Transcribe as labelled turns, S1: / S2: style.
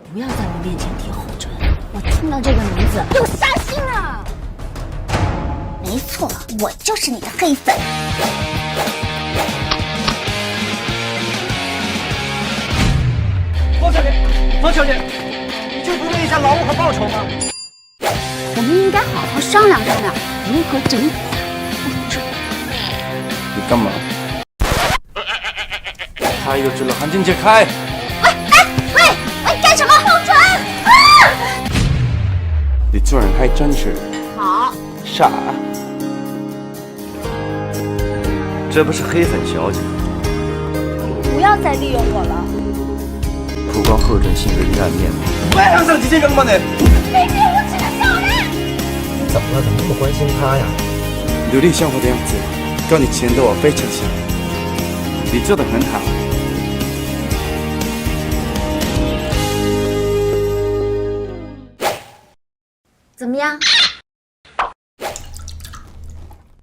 S1: 不要在我面前提后唇，我听到这个名字就杀心啊！
S2: 没错，我就是你的黑粉。
S3: 方小姐，方小姐，你就不问一下劳务和报酬吗？
S1: 我们应该好好商量商量，如何整蛊他，不准。
S4: 你干嘛？开个之了，韩静姐开！
S2: 喂，干什么？后唇！
S4: 你做人还真是
S1: 好，
S4: 傻。
S3: 这不是黑粉小姐，
S1: 不要再利用我了。
S4: 不光贺准性格阴暗面，
S3: 外行上几斤扔吗你？
S2: 卑鄙无耻的小人！
S5: 你怎么了？怎么那么关心他呀？
S4: 努力生活的样子，跟你前的我非常像。你做的很好。
S1: 怎么样？